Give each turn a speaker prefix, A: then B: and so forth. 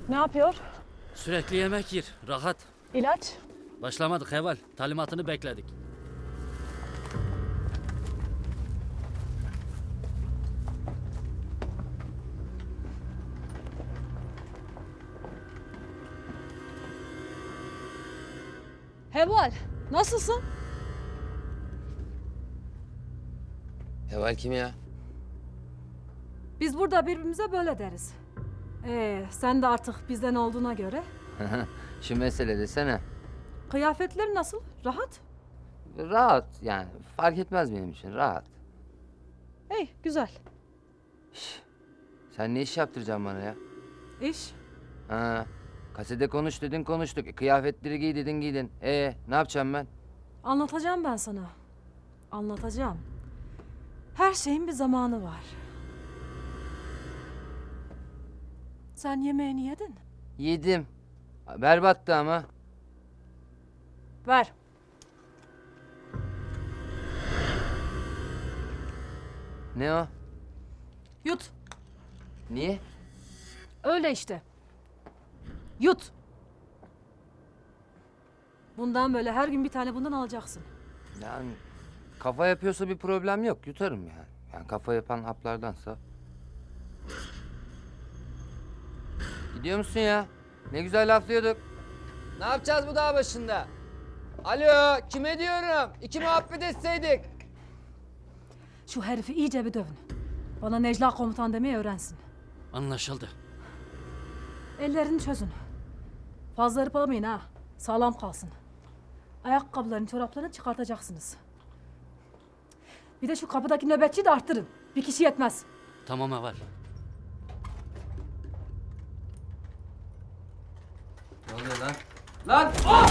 A: Ne yapıyor?
B: Sürekli yemek yer, rahat.
A: İlaç?
B: Başlamadık Heval, talimatını bekledik.
A: Heval, nasılsın?
C: Heval kim ya?
A: Biz burada birbirimize böyle deriz. Sen de artık bizden olduğuna göre.
C: Şu mesele desene.
A: Kıyafetler nasıl? Rahat?
C: Rahat yani. Fark etmez benim için. Rahat.
A: İyi, güzel.
C: Sen ne iş yaptıracaksın bana ya?
A: İş?
C: Ha, kasede konuş dedin konuştuk. Kıyafetleri giy dedin giydin. Ne yapacağım ben?
A: Anlatacağım ben sana. Anlatacağım. Her şeyin bir zamanı var. Sen yemeğini yedin.
C: Yedim. Berbattı ama.
A: Ver.
C: Ne o?
A: Yut.
C: Niye?
A: Öyle işte. Yut. Bundan böyle her gün bir tane bundan alacaksın.
C: Yani kafa yapıyorsa bir problem yok. Yutarım yani. Yani kafa yapan haplardansa. Gidiyor musun ya? Ne güzel laflıyorduk. Ne yapacağız bu dağ başında? Alo, kime diyorum? İki muhabbet etseydik.
A: Şu herifi iyice bir dövün. Bana Necla komutan demeyi öğrensin.
B: Anlaşıldı.
A: Ellerini çözün. Fazla hırpalamayın ha. Sağlam kalsın. Ayakkabılarını, çoraplarını çıkartacaksınız. Bir de şu kapıdaki nöbetçiyi de arttırın. Bir kişi yetmez.
B: Tamam Heval.
C: Ne oluyor lan? Lan!